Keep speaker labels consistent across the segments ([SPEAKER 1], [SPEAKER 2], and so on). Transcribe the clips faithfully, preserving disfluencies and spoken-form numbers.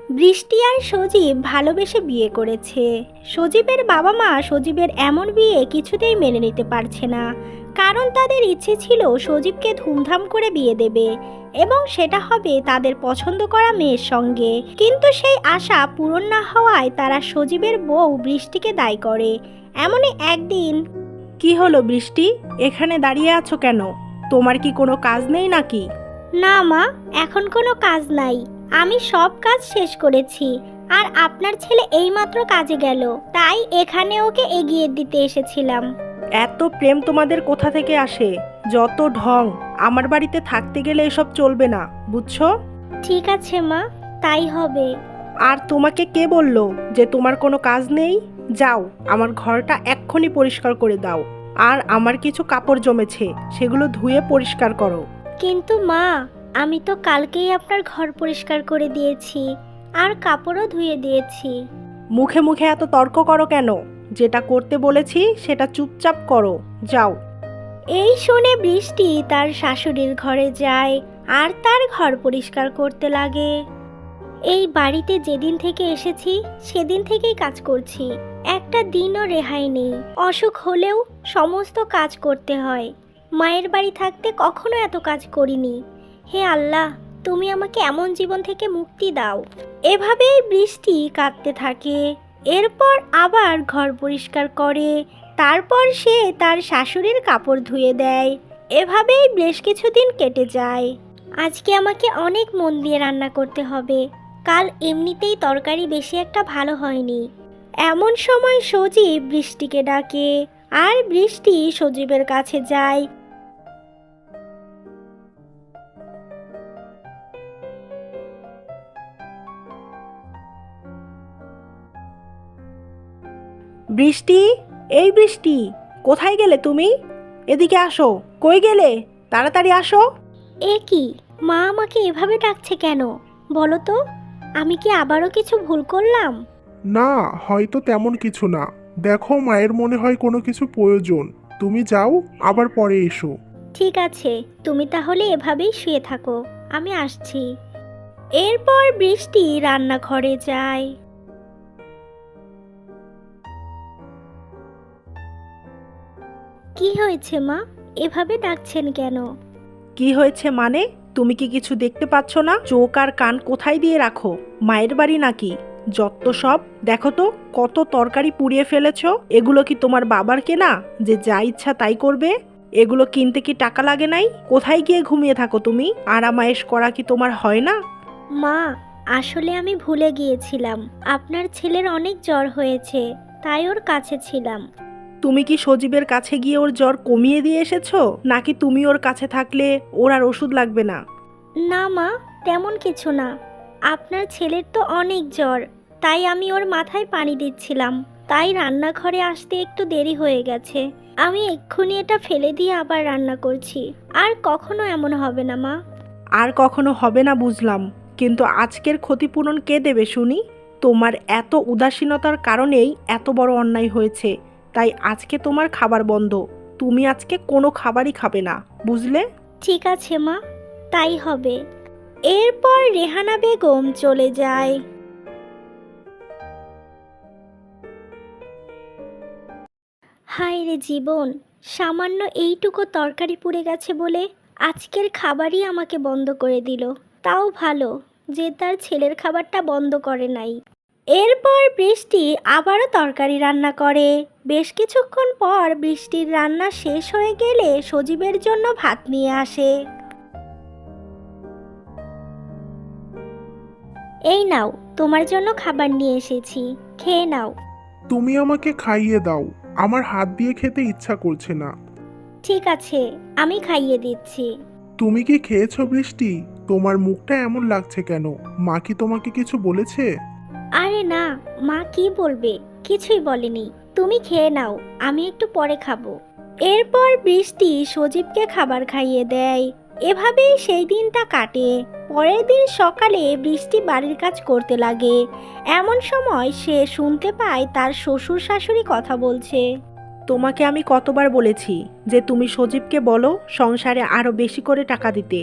[SPEAKER 1] বৃষ্টি আর সজীব ভালোবেসে বিয়ে করেছে। সজীবের বাবা মা সজীবের এমন বিয়ে কিছুতেই মেনে নিতে পারছে না, কারণ তাদের ইচ্ছে ছিল সজীবকে ধুমধাম করে বিয়ে দেবে এবং সেটা হবে তাদের পছন্দ করা মেয়ের সঙ্গে। কিন্তু সেই আশা পূরণ না হওয়ায় তারা সজীবের বউ বৃষ্টিকে দায়ী করে। এমনই একদিন।
[SPEAKER 2] কি হলো বৃষ্টি, এখানে দাঁড়িয়ে আছো কেন? তোমার কি কোনো কাজ নেই নাকি?
[SPEAKER 1] না মা, এখন কোনো কাজ নাই, আমি সব কাজ শেষ করেছি। আর আপনার ছেলে এইমাত্র কাজে গেল, তাই এখানে ওকে এগিয়ে দিতে এসেছিলাম।
[SPEAKER 2] এত প্রেম তোমাদের কোথা থেকে আসে? যত ঢং! আমার বাড়িতে থাকতে গেলে এসব চলবে না, বুঝছো?
[SPEAKER 1] ঠিক আছে মা, তাই হবে।
[SPEAKER 2] আর তোমাকে কে বললো যে তোমার কোনো কাজ নেই? যাও, আমার ঘরটা এক্ষুনি পরিষ্কার করে দাও। আর আমার কিছু কাপড় জমেছে, সেগুলো ধুয়ে পরিষ্কার করো।
[SPEAKER 1] কিন্তু মা, আমি তো কালকেই আপনার ঘর পরিষ্কার করে দিয়েছি আর কাপড়ও ধুয়ে দিয়েছি।
[SPEAKER 2] মুখে মুখে এত তর্ক করো কেন? যেটা করতে বলেছি সেটা চুপচাপ করো, যাও।
[SPEAKER 1] এই শুনে বৃষ্টি তার শাশুড়ির ঘরে যায় আর তার ঘর পরিষ্কার করতে লাগে। এই বাড়িতে যেদিন থেকে এসেছি সেদিন থেকেই কাজ করছি, একটা দিনও রেহাই নেই। অসুখ হলেও সমস্ত কাজ করতে হয়। মায়ের বাড়ি থাকতে কখনো এত কাজ করিনি। হে আল্লাহ, তুমি আমাকে এমন জীবন থেকে মুক্তি দাও। এভাবেই বৃষ্টি কাঁদতে থাকে। এরপর আবার ঘর পরিষ্কার করে, তারপর সে তার শাশুড়ির কাপড় ধুয়ে দেয়। এভাবেই বেশ কিছুদিন কেটে যায়। আজকে আমাকে অনেক মন দিয়ে রান্না করতে হবে, কাল এমনিতেই তরকারি বেশি একটা ভালো হয়নি। এমন সময় সজীব বৃষ্টিকে ডাকে আর বৃষ্টি সজীবের কাছে যায়।
[SPEAKER 2] বৃষ্টি, এই বৃষ্টি, কোথায় গেলে তুমি? এদিকে আসো। কই গেলে? তাড়াতাড়ি আসো।
[SPEAKER 1] এ কি, মা আমাকে এভাবে ডাকছে কেন? বলো তো, আমি কি আবারও কিছু ভুল করলাম?
[SPEAKER 3] না, হয়তো তেমন কিছু না। দেখো, মায়ের মনে হয় কোনো কিছু প্রয়োজন। তুমি যাও, আবার পরে এসো।
[SPEAKER 1] ঠিক আছে, তুমি তাহলে এভাবেই শুয়ে থাকো, আমি আসছি। এরপর বৃষ্টি রান্নাঘরে যায়। কি হয়েছে মা, এভাবে ডাকছেন কেন?
[SPEAKER 2] কি হয়েছে মানে? তুমি কি কিছু দেখতে পাচ্ছ না? চোখ আর কান কোথায় দিয়ে রাখো? মায়ের বাড়ি নাকি? যত সব! দেখো তো, কত তরকারি পুড়িয়ে ফেলেছো। এগুলো কি তোমার বাবার কেনা যে যা ইচ্ছা তাই করবে? এগুলো কিনতে কি টাকা লাগে নাই? কোথায় গিয়ে ঘুমিয়ে থাকো তুমি? আরামায়েশ করা কি তোমার হয় না?
[SPEAKER 1] মা, আসলে আমি ভুলে গিয়েছিলাম, আপনার ছেলের অনেক জ্বর হয়েছে, তাই ওর কাছে ছিলাম।
[SPEAKER 2] তুমি কি সজীবের কাছে গিয়ে ওর জ্বর কমিয়ে দিয়ে এসেছো, নাকি তুমি ওর কাছে থাকলে ওর আর ওষুধ লাগবে না?
[SPEAKER 1] না মা, তেমন কিছু না। আপনার ছেলের তো অনেক জ্বর, তাই আমি ওর মাথায় পানি দিচ্ছিলাম, তাই রান্নাঘরে আসতে একটু দেরি হয়ে গেছে। আমি এক্ষুনি এটা ফেলে দিয়ে আবার রান্না করছি। আর কখনো এমন হবে না মা।
[SPEAKER 2] আর কখনো হবে না বুঝলাম, কিন্তু আজকের ক্ষতিপূরণ কে দেবে শুনি? তোমার এত উদাসীনতার কারণেই এত বড় অন্যায় হয়েছে। তাই আজকে তোমার খাবার বন্ধ। তুমি আজকে কোনো খাবারই খাবে না, বুঝলে?
[SPEAKER 1] ঠিক আছে মা, তাই হবে। এরপর রেহানা বেগম চলে যায়। হায় রে জীবন, সামান্য এইটুকু তরকারি পুড়ে গেছে বলে আজকের খাবারই আমাকে বন্ধ করে দিল। তাও ভালো যে তার ছেলের খাবারটা বন্ধ করে নাই। এরপর বৃষ্টি আবারও তরকারি রান্না করে। বেশ কিছুক্ষণ পর বৃষ্টির রান্না শেষ হয়ে গেলে সজীবের জন্য ভাত নিয়ে আসে। এই নাও, তোমার জন্য খাবার নিয়ে এসেছি, খেয়ে নাও।
[SPEAKER 3] তুমি আমাকে খাইয়ে দাও, আমার হাত দিয়ে খেতে ইচ্ছা করছে না।
[SPEAKER 1] ঠিক আছে, আমি খাইয়ে দিচ্ছি।
[SPEAKER 3] তুমি কি খেয়েছো বৃষ্টি? তোমার মুখটা এমন লাগছে কেন? মা কি তোমাকে কিছু বলেছে?
[SPEAKER 1] আরে না, মা কি বলবে, কিছুই বলেনি। তুমি খেয়ে নাও, আমি একটু পরে খাবো। এরপর বৃষ্টি সজীবকে খাবার খাইয়ে দেয়। এভাবেই সেই দিনটা কাটে। পরের দিন সকালে বৃষ্টি বাড়ির কাজ করতে লাগে। এমন সময় সে শুনতে পায় তার শ্বশুর শাশুড়ি কথা বলছে।
[SPEAKER 2] তোমাকে আমি কতবার বলেছি যে তুমি সজীবকে বলো সংসারে আরো বেশি করে টাকা দিতে।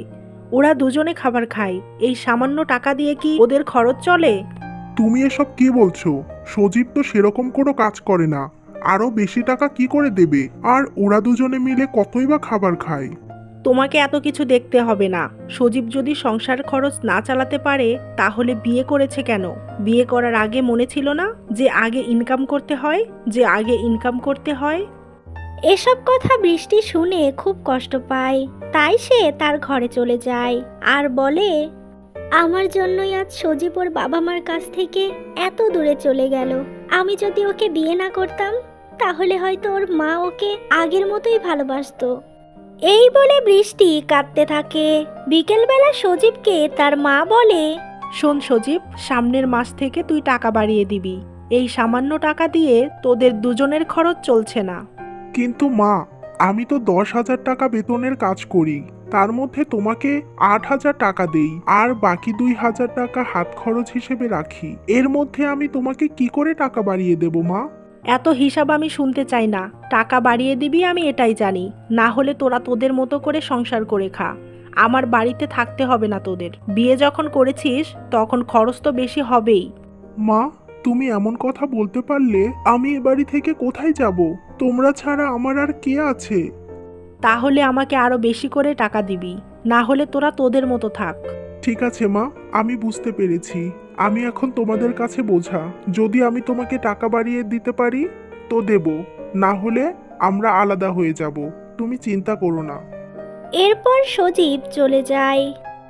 [SPEAKER 2] ওরা দুজনে খাবার খায়, এই সামান্য টাকা দিয়ে কি ওদের খরচ চলে?
[SPEAKER 3] তুমি এসব কি বলছো? সজীব তো সেরকম কোনো কাজ করে না, আরো বেশি টাকা কি করে দেবে? আর ওরা দুজনে মিলে কতই বা খাবার খায়।
[SPEAKER 2] তোমাকে এত কিছু দেখতে হবে না। সজীব যদি সংসার খরচ না চালাতে পারে তাহলে বিয়ে করেছে কেন? বিয়ে করার আগে মনে ছিল না যে আগে ইনকাম করতে হয়, যে আগে ইনকাম করতে হয়?
[SPEAKER 1] এসব কথা বৃষ্টি শুনে খুব কষ্ট পায়, তাই সে তার ঘরে চলে যায় আর বলে, আমার জন্যই আজ সজীব ওর বাবা মার কাছ থেকে এত দূরে চলে গেল। আমি যদি ওকে বিয়ে না করতাম তাহলে হয়তো ওর মা ওকে আগের মতোই ভালোবাসতো। এই বলে বৃষ্টি কাঁদতে থাকে। বিকেলবেলা সজীবকে তার মা বলে,
[SPEAKER 2] শোন সজীব, সামনের মাস থেকে তুই টাকা বাড়িয়ে দিবি। এই সামান্য টাকা দিয়ে তোদের দুজনের খরচ চলছে না।
[SPEAKER 3] কিন্তু মা, আমি তো দশ হাজার টাকা বেতনের কাজ করি, তার মধ্যে তোমাকে আট হাজার টাকা দেই, আর বাকি দুই হাজার টাকা হাত খরচ হিসেবে রাখি। এর মধ্যে আমি তোমাকে কি করে টাকা বাড়িয়ে দেব মা?
[SPEAKER 2] এত হিসাব আমি শুনতে চাই না। টাকা বাড়িয়ে দিবি আমি এটাই জানি, না হলে তোরা তোদের মতো করে সংসার করে খা। আমার বাড়িতে থাকতে হবে না তোদের। বিয়ে যখন করেছিস তখন খরচ তো বেশি হবেই।
[SPEAKER 3] মা, তুমি এমন কথা বলতে পারলে আমি এ বাড়ি থেকে কোথায় যাব? তোমরা ছাড়া আমার আর কে আছে?
[SPEAKER 2] তাহলে আমাকে আরো বেশি করে টাকা দিবি, না হলে তোরা তোদের মতো থাক।
[SPEAKER 3] ঠিক আছে মা, আমি বুঝতে পেরেছি। আমি এখন তোমাদের কাছে বোঝা। যদি আমি তোমাকে টাকা বাড়িয়ে দিতে পারি তো দেব, না হলে আমরা আলাদা হয়ে যাব। তুমি চিন্তা করো না।
[SPEAKER 1] এরপর সজীব চলে যায়।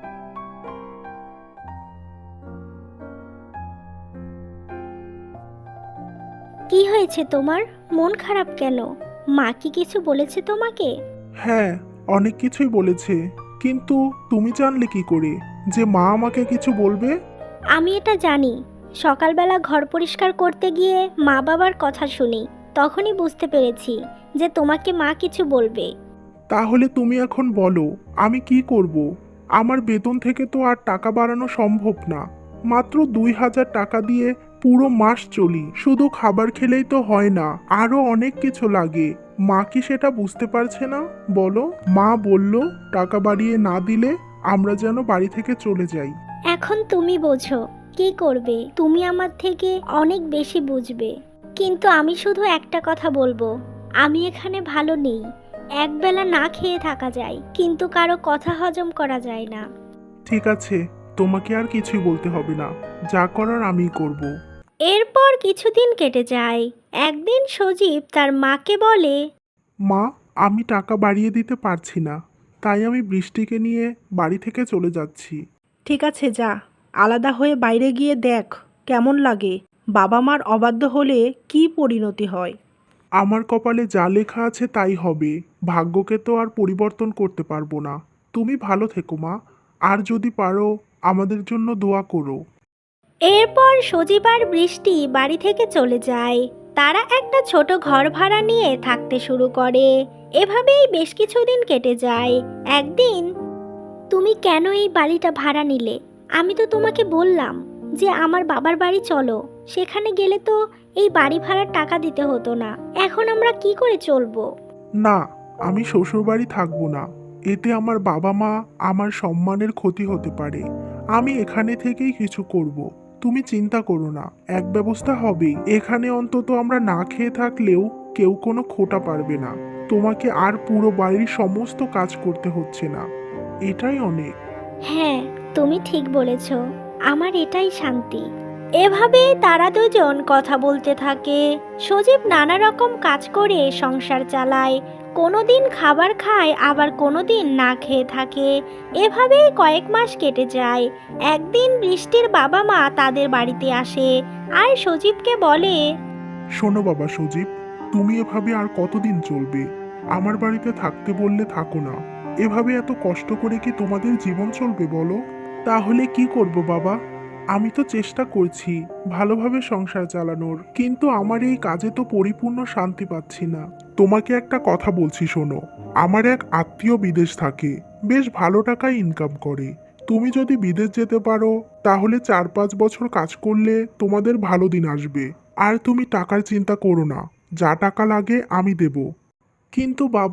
[SPEAKER 1] কি হয়েছে তোমার? মন খারাপ কেন? মা কি কিছু বলেছে তোমাকে?
[SPEAKER 3] হ্যাঁ, অনেক কিছুই বলেছে, কিন্তু তুমি জানলে কি করে যে মা আমাকে কিছু বলবে?
[SPEAKER 1] আমি এটা জানি। সকালবেলা ঘর পরিষ্কার করতে গিয়ে মা বাবার কথা শুনি, তখনই বুঝতে পেরেছি যে তোমাকে মা কিছু বলবে।
[SPEAKER 3] তাহলে তুমি এখন বলো আমি কি করব? আমার বেতন থেকে তো আর টাকা বাড়ানো সম্ভব না। মাত্র দুই হাজার টাকা দিয়ে পুরো মাস চলি। শুধু খাবার খেলেই তো হয় না, আরো অনেক কিছু লাগে। মা কি সেটা বুঝতে পারছে না? বলো। মা বলল টাকা বাড়িয়ে না দিলে আমরা যেন বাড়ি থেকে চলে যাই।
[SPEAKER 1] এখন তুমি বোঝো কি করবে। তুমি আমার থেকে অনেক বেশি বুঝবে। কিন্তু আমি শুধু একটা কথা বলবো, আমি এখানে ভালো নেই। একবেলা না খেয়ে থাকা যায়, কিন্তু কারো কথা হজম করা যায় না।
[SPEAKER 3] ঠিক আছে, তোমাকে আর কিছুই বলতে হবে না, যা করার আমিই করব।
[SPEAKER 1] এরপর কিছুদিন কেটে যায়। একদিন সজীব তার মাকে বলে,
[SPEAKER 3] মা, আমি টাকা বাড়িয়ে দিতে পারছি না, তাই আমি বৃষ্টিকে নিয়ে বাড়ি থেকে চলে যাচ্ছি।
[SPEAKER 2] ঠিক আছে, যা। আলাদা হয়ে বাইরে গিয়ে দেখ কেমন লাগে। বাবা মার অবাধ্য হলে কি পরিণতি হয়।
[SPEAKER 3] আমার কপালে যা লেখা আছে তাই হবে। ভাগ্যকে তো আর পরিবর্তন করতে পারবো না। তুমি ভালো থেকো মা, আর যদি পারো আমাদের জন্য দোয়া করো।
[SPEAKER 1] এরপর সজীব আর বৃষ্টি বাড়ি থেকে চলে যায়। তারা একটা ছোট ঘর ভাড়া নিয়ে থাকতে শুরু করে। এভাবেই বেশ কিছুদিন কেটে যায়। একদিন, তুমি কেন এই বাড়িটা ভাড়া নিলে? আমি তো তোমাকে বললাম যে আমার বাবার বাড়ি চলো, সেখানে গেলে তো এই বাড়ি ভাড়ার টাকা দিতে হতো না। এখন আমরা কি করে চলবো?
[SPEAKER 3] না, আমি শ্বশুরবাড়ি থাকবো না। এতে আমার বাবা মা আমার সম্মানের ক্ষতি হতে পারে। আমি এখানে থেকেই কিছু করব। তুমি চিন্তা করো না, এক ব্যবস্থা হবেই। এখানে অন্তত আমরা না খেয়ে থাকলেও কেউ কোনো খোটা পারবে না। তোমাকে আর পুরো বাড়ির সমস্ত কাজ করতে হচ্ছে না, এটাই অনেক।
[SPEAKER 1] হ্যাঁ, তুমি ঠিক বলেছ। আমার এটাই শান্তি। এভাবেই তারা দুজন কথা বলতে থাকে। সজীব নানা রকম কাজ করে সংসার চালায়। কোনোদিন খাবার খায়, আবার কোনোদিন না খেয়ে থাকে। এভাবেই কয়েক মাস কেটে যায়। একদিন বৃষ্টির বাবা মা তাদের বাড়িতে আসে আর সজীবকে বলে,
[SPEAKER 3] শোনো বাবা সজীব, তুমি এভাবে আর কতদিন চলবে? আমার বাড়িতে থাকতে বললে থাকো না। এভাবে এত কষ্ট করে কি তোমাদের জীবন চলবে বলো? তাহলে কি করব বাবা? আমি তো চেষ্টা করছি ভালোভাবে সংসার চালানোর, কিন্তু আমার এই কাজে তো পরিপূর্ণ শান্তি পাচ্ছি না। তোমাকে একটা কথা বলছি শোনো। আমার এক আত্মীয় বিদেশ থাকে, বেশ ভালো টাকায় ইনকাম করে। তুমি যদি বিদেশ যেতে পারো তাহলে চার পাঁচ বছর কাজ করলে তোমাদের ভালো দিন আসবে। আর তুমি টাকার চিন্তা করো না, যা টাকা লাগে আমি দেব। কিন্তু বাবা,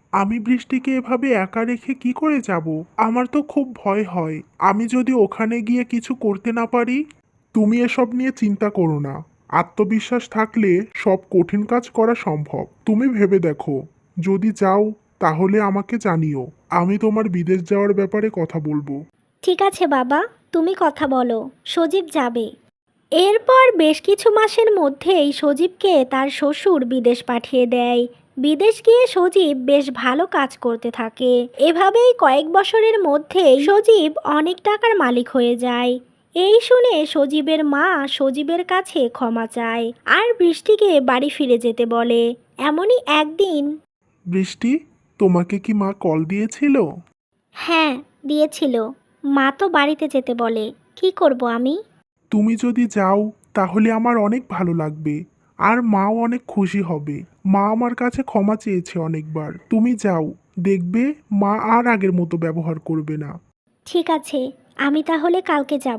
[SPEAKER 3] আমি বৃষ্টিকে এভাবে একা রেখে কি করে যাব? আমার তো খুব ভয় হয়। আমি যদি ওখানে গিয়ে কিছু করতে না পারি? তুমি এসব নিয়ে চিন্তা করো না। আত্মবিশ্বাস থাকলে সব কঠিন কাজ করা সম্ভব। তুমি ভেবে দেখো, যদি যাও তাহলে আমাকে জানিও। আমি তোমার বিদেশ যাওয়ার ব্যাপারে কথা বলবো।
[SPEAKER 1] ঠিক আছে বাবা, তুমি কথা বলো, সজীব যাবে। এরপর বেশ কিছু মাসের মধ্যেই সজীবকে তার শ্বশুর বিদেশ পাঠিয়ে দেয়। বিদেশ গিয়ে সজীব বেশ ভালো কাজ করতে থাকে। এভাবেই কয়েক বছরের মধ্যেই সজীব অনেক টাকার মালিক হয়ে যায়। এই শুনে সজীবের মা সজীবের কাছে ক্ষমা চায় আর বৃষ্টিকে বাড়ি ফিরে যেতে বলে। এমনই একদিন।
[SPEAKER 3] বৃষ্টি, তোমাকে কি মা কল দিয়েছিল?
[SPEAKER 1] হ্যাঁ, দিয়েছিল। মা তো বাড়িতে যেতে বলে, কি করব আমি?
[SPEAKER 3] তুমি যদি যাও তাহলে আমার অনেক ভালো লাগবে, আর মাও অনেক খুশি হবে। মা আমার কাছে ক্ষমা চেয়েছে অনেকবার। তুমি যাও, দেখবে মা আর আগের মতো ব্যবহার করবে না।
[SPEAKER 1] ঠিক আছে, আমি তাহলে কালকে যাব।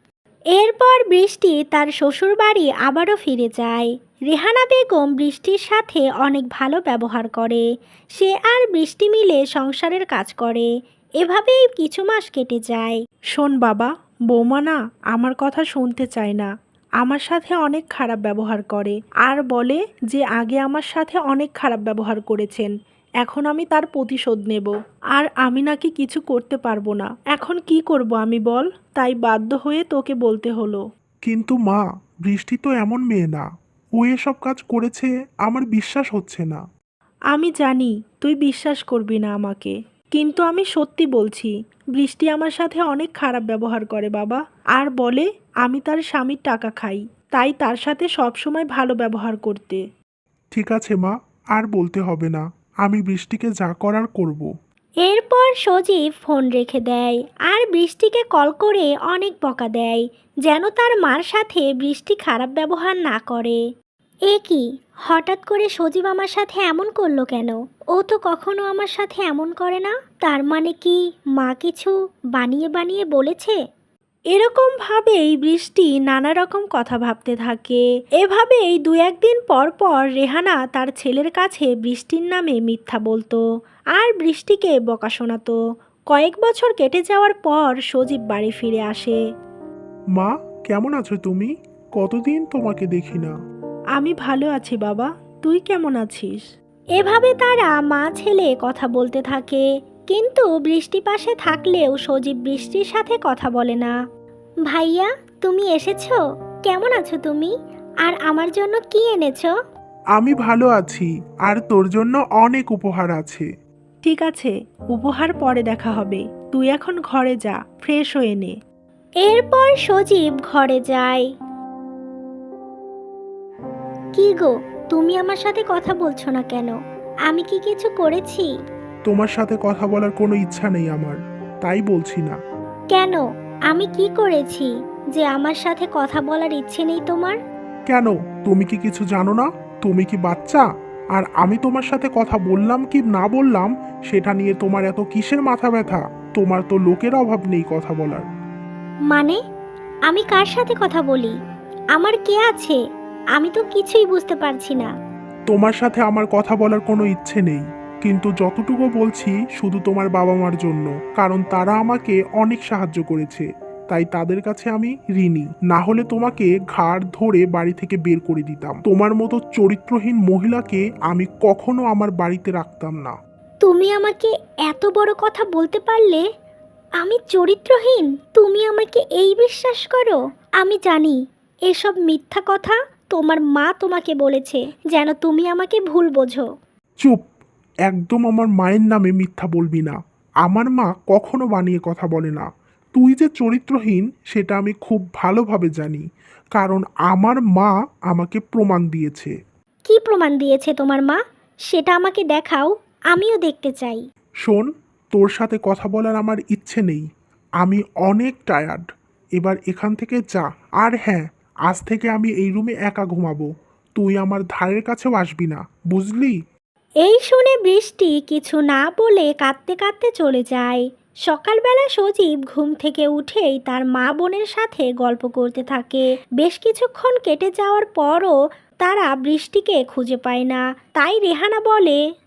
[SPEAKER 1] এরপর বৃষ্টি তার শ্বশুরবাড়ি আবারও ফিরে যায়। রেহানা বেগম বৃষ্টির সাথে অনেক ভালো ব্যবহার করে। সে আর বৃষ্টি মিলে সংসারের কাজ করে। এভাবেই কিছু মাস কেটে যায়।
[SPEAKER 2] শোন বাবা, বৌমা না আমার কথা শুনতে চায় না। আমার সাথে অনেক খারাপ ব্যবহার করে আর বলে যে আগে আমার সাথে অনেক খারাপ ব্যবহার করেছেন, এখন আমি তার প্রতিশোধ নেব। আর আমি নাকি কিছু করতে পারবো না। এখন কি করব আমি বল? তাই বাধ্য হয়ে তোকে বলতে হলো।
[SPEAKER 3] কিন্তু মা, বৃষ্টি তো এমন মেয়ে না। ও এসব কাজ করেছে আমার বিশ্বাস হচ্ছে না।
[SPEAKER 2] আমি জানি তুই বিশ্বাস করবি না আমাকে, কিন্তু আমি সত্যি বলছি। বৃষ্টি আমার সাথে অনেক খারাপ ব্যবহার করে বাবা, আর বলে আমি তার স্বামীর টাকা খাই, তাই তার সাথে সবসময় ভালো ব্যবহার করতে।
[SPEAKER 3] ঠিক আছে মা, আর বলতে হবে না। আমি বৃষ্টিকে যা করার করব।
[SPEAKER 1] এরপর সজীব ফোন রেখে দেয় আর বৃষ্টিকে কল করে অনেক বকা দেয়, যেন তার মার সাথে বৃষ্টি খারাপ ব্যবহার না করে। এ কি, হঠাৎ করে সজীব আমার সাথে এমন করলো কেন? ও তো কখনো আমার সাথে এমন করে না। তার মানে কি মা কিছু বানিয়ে বানিয়ে বলেছে?
[SPEAKER 2] এরকম ভাবেই বৃষ্টি নানা রকম কথা ভাবতে থাকে। এভাবেই দু একদিন পর পর রেহানা তার ছেলের কাছে বৃষ্টির নামে মিথ্যা বলতো আর বৃষ্টিকে বকা শোনাতো। কয়েক বছর কেটে যাওয়ার পর সজীব বাড়ি ফিরে আসে।
[SPEAKER 3] মা, কেমন আছো তুমি? কতদিন তোমাকে দেখি না।
[SPEAKER 2] আমি ভালো আছি বাবা, তুই কেমন আছিস?
[SPEAKER 1] এভাবে তারা মা ছেলে কথা বলতে থাকে, কিন্তু বৃষ্টি পাশে থাকলেও সজীব বৃষ্টির সাথে কথা বলে না। ভাইয়া, তুমি এসেছো? কেমন আছো তুমি? আর আমার জন্য কি এনেছো?
[SPEAKER 3] আমি ভালো আছি, আর তোর জন্য অনেক উপহার আছে।
[SPEAKER 2] ঠিক আছে, উপহার পরে দেখা হবে। তুই এখন ঘরে যা, ফ্রেশ হয়ে নে।
[SPEAKER 1] এরপর সজীব ঘরে যায়। কি গো, তুমি আমার সাথে কথা বলছো না কেন? আমি কি কিছু করেছি?
[SPEAKER 3] তোমার সাথে কথা বলার কোনো ইচ্ছা নেই আমার, তাই বলছি না।
[SPEAKER 1] কেন? আমি কি করেছি যে আমার সাথে কথা বলার ইচ্ছে নেই তোমার?
[SPEAKER 3] কেন? তুমি কি কিছু জানো না? তুমি কি বাচ্চা? আর আমি তোমার সাথে কথা বললাম কি না বললাম সেটা নিয়ে তোমার এত কিসের মাথা ব্যথা? তোমার তো লোকের অভাব নেই কথা বলার।
[SPEAKER 1] মানে, আমি কার সাথে কথা বলি? আমার কে আছে? আমি তো কিছুই বুঝতে পারছি না।
[SPEAKER 3] তোমার সাথে আমার কথা বলার কোনো ইচ্ছে নেই, কিন্তু যতটুকু বলছি শুধু তোমার বাবা মার জন্য, কারণ তারা আমাকে অনেক সাহায্য করেছে। তাই তাদের কাছে আমি ঋণী। না হলে তোমাকে ঘাড় ধরে বাড়ি থেকে বের করে দিতাম। তোমার মতো চরিত্রহীন মহিলাকে আমি কখনো আমার বাড়িতে রাখতাম না।
[SPEAKER 1] তুমি আমাকে এত বড় কথা বলতে পারলে? আমি চরিত্রহীন? তুমি আমাকে এই বিশ্বাস করো? আমি জানি এসব মিথ্যা কথা তোমার মা তোমাকে বলেছে, যেন তুমি আমাকে ভুল বোঝো।
[SPEAKER 3] চুপ! একদম আমার মায়ের নামে মিথ্যা বলবি না। আমার মা কখনো বানিয়ে কথা বলে না। তুই যে চরিত্রহীন সেটা আমি খুব ভালোভাবে জানি, কারণ আমার মা আমাকে প্রমাণ দিয়েছে।
[SPEAKER 1] কি প্রমাণ দিয়েছে তোমার মা? সেটা আমাকে দেখাও, আমিও দেখতে চাই।
[SPEAKER 3] শোন, তোর সাথে কথা বলার আমার ইচ্ছে নেই। আমি অনেক টায়ার্ড। এবার এখান থেকে যা। আর হ্যাঁ, আজ থেকে আমি এই রুমে একা ঘুমাবো। তুই আমার ধারের কাছেও আসবি না, বুঝলি?
[SPEAKER 1] এই শুনে বৃষ্টি কিছু না বলে কাঁদতে কাঁদতে চলে যায়। সকালবেলা সজীব ঘুম থেকে উঠেই তার মা বোনের সাথে গল্প করতে থাকে। বেশ কিছুক্ষণ কেটে যাওয়ার পরও তারা বৃষ্টিকে খুঁজে পায় না। তাই রেহানা বলে,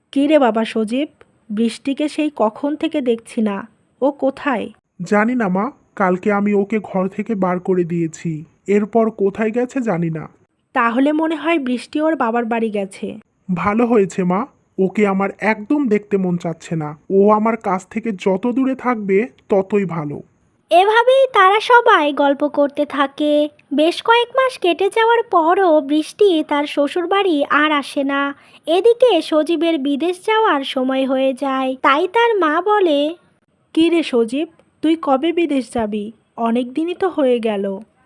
[SPEAKER 2] কী রে বাবা সজীব, বৃষ্টিকে সেই কখন থেকে দেখছি না, ও কোথায়?
[SPEAKER 3] জানি না মা, কালকে আমি ওকে ঘর থেকে বার করে দিয়েছি। এরপর কোথায় গেছে জানি না।
[SPEAKER 2] তাহলে মনে হয় বৃষ্টি ওর বাবার বাড়ি গেছে।
[SPEAKER 3] ভালো হয়েছে মা, ওকে আমার একদম দেখতে মন চাচ্ছে না। ও আমার কাছ থেকে যত দূরে থাকবে ততই ভালো।
[SPEAKER 1] এভাবেই তারা সবাই গল্প করতে থাকে। বেশ কয়েক মাস কেটে যাওয়ার পরও বৃষ্টি তার শ্বশুরবাড়ি আর আসে না। এদিকে সজীবের বিদেশ যাওয়ার সময় হয়ে যায়, তাই তার মা বলে,
[SPEAKER 2] কী রে সজীব, তুই কবে বিদেশ যাবি? অনেক দিনই তো হয়ে গেল।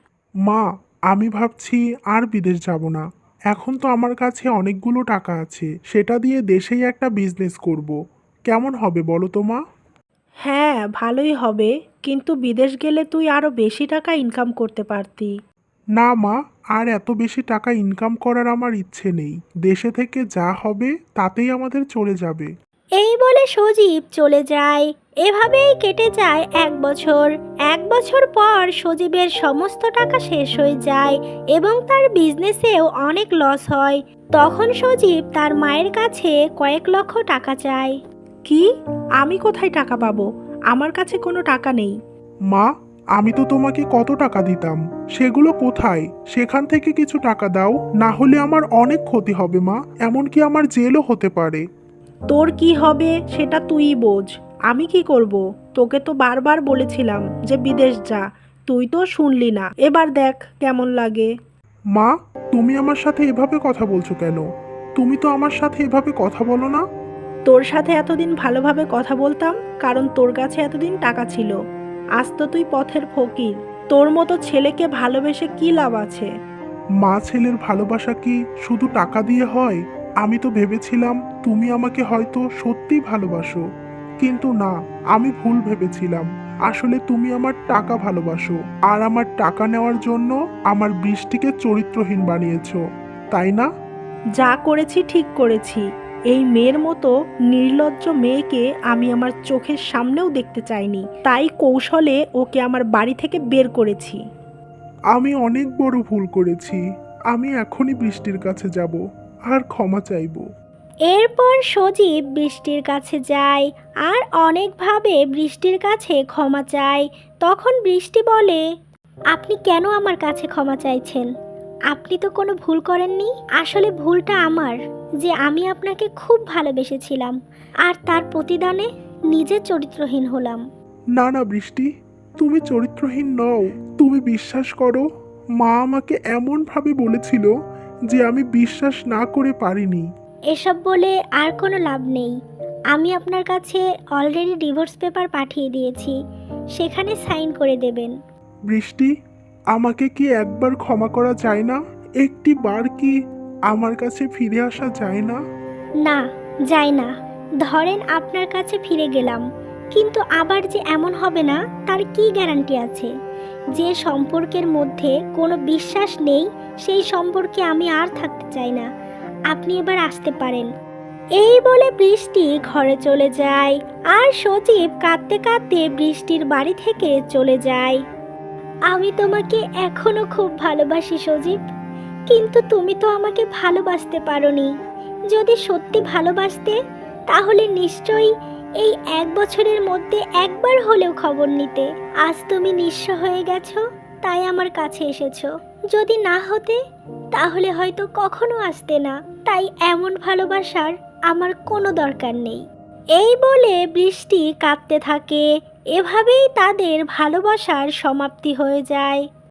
[SPEAKER 3] মা, আমি ভাবছি আর বিদেশ যাব না। এখন তো আমার কাছে অনেকগুলো টাকা আছে, সেটা দিয়ে দেশেই একটা বিজনেস করব। কেমন হবে বলো তো মা?
[SPEAKER 2] হ্যাঁ, ভালোই হবে, কিন্তু বিদেশ গেলে তুই আরও বেশি টাকা ইনকাম করতে পারতি।
[SPEAKER 3] না মা, আর এত বেশি টাকা ইনকাম করার আমার ইচ্ছে নেই। দেশে থেকে যা হবে তাতেই আমাদের চলে যাবে।
[SPEAKER 1] এই বলে সজীব চলে যায়। এভাবেই কেটে যায় এক বছর। এক বছর পর সজীবের সমস্ত টাকা শেষ হয়ে যায় এবং তার বিজনেসেও অনেক লস হয়। তখন সজীব তার মায়ের কাছে কয়েক লক্ষ টাকা চায়।
[SPEAKER 2] কি? আমি কোথায় টাকা পাবো? আমার কাছে কোনো টাকা নেই।
[SPEAKER 3] মা, আমি তো তোমাকে কত টাকা দিতাম, সেগুলো কোথায়? সেখান থেকে কিছু টাকা দাও, না হলে আমার অনেক ক্ষতি হবে মা, এমনকি আমার জেলও হতে পারে।
[SPEAKER 2] তোর কি হবে সেটা তুইই বোঝ। আমি কি করব? তোকে তো বারবার বলেছিলাম যে বিদেশ যা, তুই তো শুনলি না। এবার দেখ কেমন লাগে।
[SPEAKER 3] মা, তুমি আমার সাথে এভাবে কথা বলছো কেন? তুমি তো আমার সাথে এভাবে কথা বলো না।
[SPEAKER 2] তোর সাথে এতদিন ভালোভাবে কথা বলতাম কারণ তোর কাছে এতদিন টাকা ছিল। আজ তো তুই পথের ফকির। তোর মতো ছেলেকে ভালোবেসে কি লাভ আছে?
[SPEAKER 3] মা, ছেলের ভালোবাসা কি শুধু টাকা দিয়ে হয়? আমি তো ভেবেছিলাম তুমি আমাকে হয়তো সত্যিই ভালোবাসো, কিন্তু না, আমি ভুল ভেবেছিলাম। আসলে তুমি আমার টাকা ভালোবাসো, আর আমার টাকা নেওয়ার জন্য আমার বৃষ্টিকে চরিত্রহীন বানিয়েছো, তাই না?
[SPEAKER 2] যা করেছি ঠিক করেছি। এই মেয়ের মতো নির্লজ্জ মেয়েকে আমি আমার চোখের সামনেও দেখতে চাইনি, তাই কৌশলে ওকে আমার বাড়ি থেকে বের করেছি।
[SPEAKER 3] আমি অনেক বড় ভুল করেছি। আমি এখনই বৃষ্টির কাছে যাব আর ক্ষমা চাইবো।
[SPEAKER 1] এরপর সজীব বৃষ্টির কাছে যায় আর অনেকভাবে বৃষ্টির কাছে ক্ষমা চায়। তখন বৃষ্টি বলে, আপনি কেন আমার কাছে ক্ষমা চাইছেন? আপনি তো কোনো ভুল করেননি। আসলে ভুলটা আমার, যে আমি আপনাকে খুব ভালোবেসেছিলাম আর তার প্রতিদানে নিজে চরিত্রহীন হলাম।
[SPEAKER 3] না না বৃষ্টি, তুমি চরিত্রহীন নও। তুমি বিশ্বাস করো, মা আমাকে এমনভাবে বলেছিল যে আমি বিশ্বাস না করে পারিনি।
[SPEAKER 1] এসব বলে আর কোনো লাভ নেই। আমি আপনার কাছে অলরেডি ডিভোর্স পেপার পাঠিয়ে দিয়েছি, সেখানে সাইন করে দেবেন।
[SPEAKER 3] বৃষ্টি, আমাকে কি একবার ক্ষমা করা যায় না? একটি বার কি আমার কাছে ফিরে আসা যায় না?
[SPEAKER 1] না, যায় না। ধরেন আপনার কাছে ফিরে গেলাম, কিন্তু আবার যে এমন হবে না তার কি গ্যারান্টি আছে? যে সম্পর্কের মধ্যে কোনো বিশ্বাস নেই সেই সম্পর্কে আমি আর থাকতে চাই না। আপনি এবার আসতে পারেন। এই বলে বৃষ্টি ঘরে চলে যায় আর সজীব কাঁদতে কাঁদতে বৃষ্টির বাড়ি থেকে চলে যায়। আমি তোমাকে এখনো খুব ভালোবাসি সজীব, কিন্তু তুমি তো আমাকে ভালোবাসতে পারোনি। যদি সত্যি ভালোবাসতে তাহলে নিশ্চয়ই এই এক বছরের মধ্যে একবার হলেও খবর নিতে। আজ তুমি নিঃস্ব হয়ে গেছো, তাই আমার কাছে এসেছো। যদি না হতে তাহলে হয়তো কখনো আসতে না। তাই এমন ভালোবাসার আমার কোনো দরকার নেই। এই বলে বৃষ্টি কাঁদতে থাকে। এভাবেই তাদের ভালোবাসার সমাপ্তি হয়ে যায়।